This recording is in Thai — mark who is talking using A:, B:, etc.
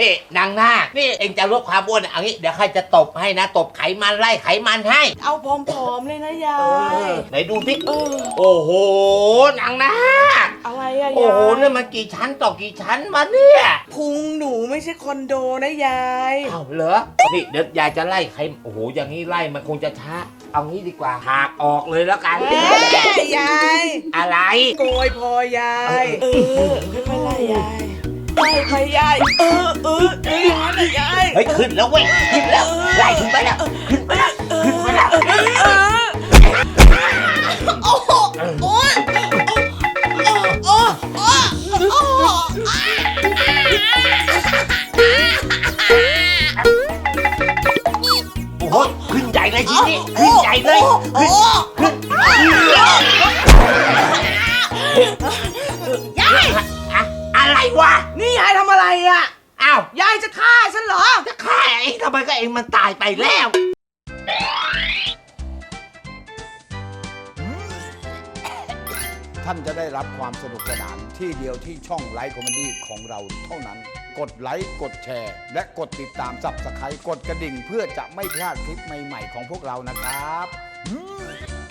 A: นี่นางนาคนี่เองจะลดความอ้วนเอางี้เดี๋ยวใครจะตบให้นะตบไขมันไล่ไขมันให้
B: เอาผอมๆเลยนะยาย
A: ไหนดูสิโอ้โหนางนาค
B: อะไรอะยาย
A: โอ้โหนี่มันกี่ชั้นต่อกี่ชั้นวะเนี่ย
B: พุงหนูไม่ใช่คอนโดนะยาย
A: อ้าวเหรอนี่เดี๋ยวยายจะไล่ไขโอ้โหอย่างนี้ไล่มันคงจะช้าเอางี้ดีกว่าหากออกเลยแล้วกัน
B: ยาย
A: อะไร
B: โกยพอยายไม่ไล่ยายไล่ไปยายอย่างนั้นนะยาย
A: เฮ้ยขึ้นแล้วเว้ยขึ้นแล้วไล่ขึ้นไปแล้วขึ้นไปแล้วขึ้นไปแล้ว
B: โอ้โหโอ้ยโอ้
A: โหขึ้นใหญ่เลยทีนี้ขึ้นใหญ่เลยขึ้น
B: ยาย
A: อะไรวะ
B: นี่ยายทำอะไรอ่ะ
A: อ้าวย
B: ายจะฆ่าฉันเหรอ
A: จะฆ่าเองทำไมก็เองมันตายไปแล้ว
C: ท่านจะได้รับความสนุกสนานที่เดียวที่ช่องไลฟ์คอมเมดี้ของเราเท่านั้นกดไลค์กดแชร์และกดติดตามSubscribeกดกระดิ่งเพื่อจะไม่พลาดคลิปใหม่ๆของพวกเรานะครับ